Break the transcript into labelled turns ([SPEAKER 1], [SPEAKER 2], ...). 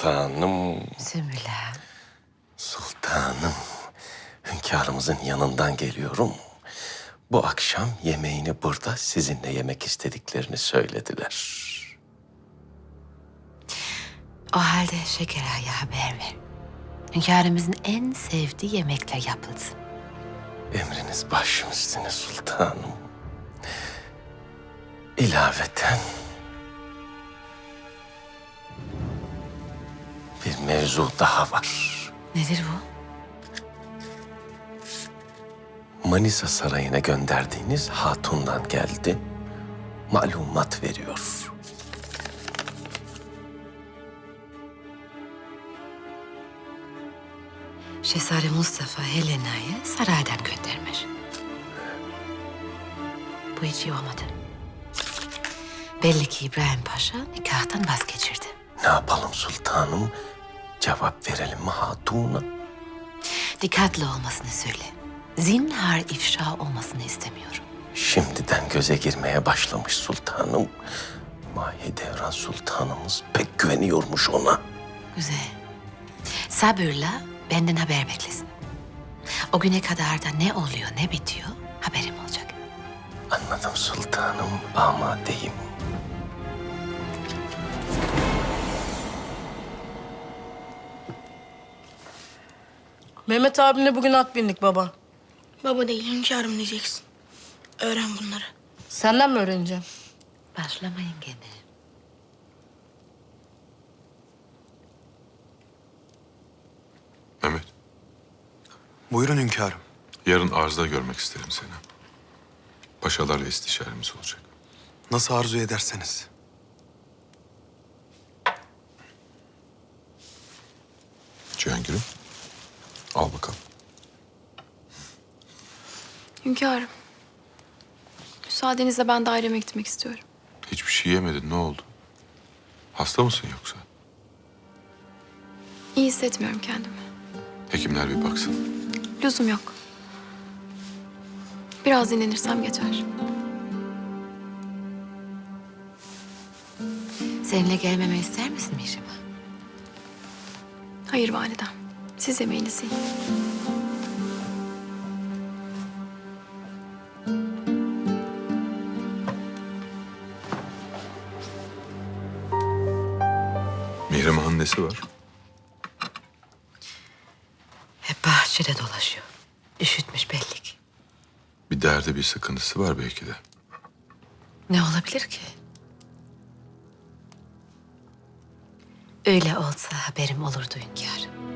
[SPEAKER 1] sultanım.
[SPEAKER 2] Sümbüla.
[SPEAKER 1] Sultanım. Hünkârımızın yanından geliyorum. Bu akşam yemeğini burada sizinle yemek istediklerini söylediler.
[SPEAKER 2] O halde Şeker Ağa'ya haber ver. Hünkârımızın en sevdiği yemekler yapılsın.
[SPEAKER 1] Emriniz başım üstüne sultanım. İlaveten bir mevzu daha var.
[SPEAKER 2] Nedir bu?
[SPEAKER 1] Manisa Sarayı'na gönderdiğiniz hatundan geldi. Malumat veriyor.
[SPEAKER 2] Şehzade Mustafa Helena'yı saraydan göndermiş. Bu hiç iyi olmadı. Belli ki İbrahim Paşa nikahtan vazgeçirdi.
[SPEAKER 1] Ne yapalım sultanım? Cevap verelim mi hatuna?
[SPEAKER 2] Dikkatli olmasını söyle. Zinhar ifşa olmasını istemiyorum.
[SPEAKER 1] Şimdiden göze girmeye başlamış sultanım. Mahidevran sultanımız pek güveniyormuş ona.
[SPEAKER 2] Güzel. Sabırla benden haber beklesin. O güne kadar da ne oluyor ne bitiyor haberim olacak.
[SPEAKER 1] Anladım sultanım, amadeyim.
[SPEAKER 3] Mehmet abimle bugün at bindik baba.
[SPEAKER 4] Baba değil, hünkârım diyeceksin. Öğren bunları.
[SPEAKER 3] Senden mi öğreneceğim?
[SPEAKER 2] Başlamayın gene.
[SPEAKER 5] Mehmet,
[SPEAKER 6] Buyurun hünkârım.
[SPEAKER 5] yarın arzda görmek isterim seni. Paşalarla istişaremiz olacak.
[SPEAKER 6] Nasıl arzu ederseniz.
[SPEAKER 5] Cihangir'im, al bakalım.
[SPEAKER 7] Hünkârım. Müsaadenizle ben daireme gitmek istiyorum.
[SPEAKER 5] Hiçbir şey yemedin, ne oldu? Hasta mısın yoksa?
[SPEAKER 7] İyi hissetmiyorum kendimi.
[SPEAKER 5] Hekimler bir baksın.
[SPEAKER 7] Lüzum yok. Biraz dinlenirsem geçer.
[SPEAKER 2] Seninle gelmemi ister misin Mihrimah?
[SPEAKER 7] Hayır validem. Siz yemeğinizi yiyin.
[SPEAKER 5] Mihrimah'ın nesi var?
[SPEAKER 2] Hep bahçede dolaşıyor. Üşütmüş belli ki.
[SPEAKER 5] Bir derdi, bir sıkıntısı var belki de.
[SPEAKER 2] Ne olabilir ki? Öyle olsa haberim olurdu hünkârım.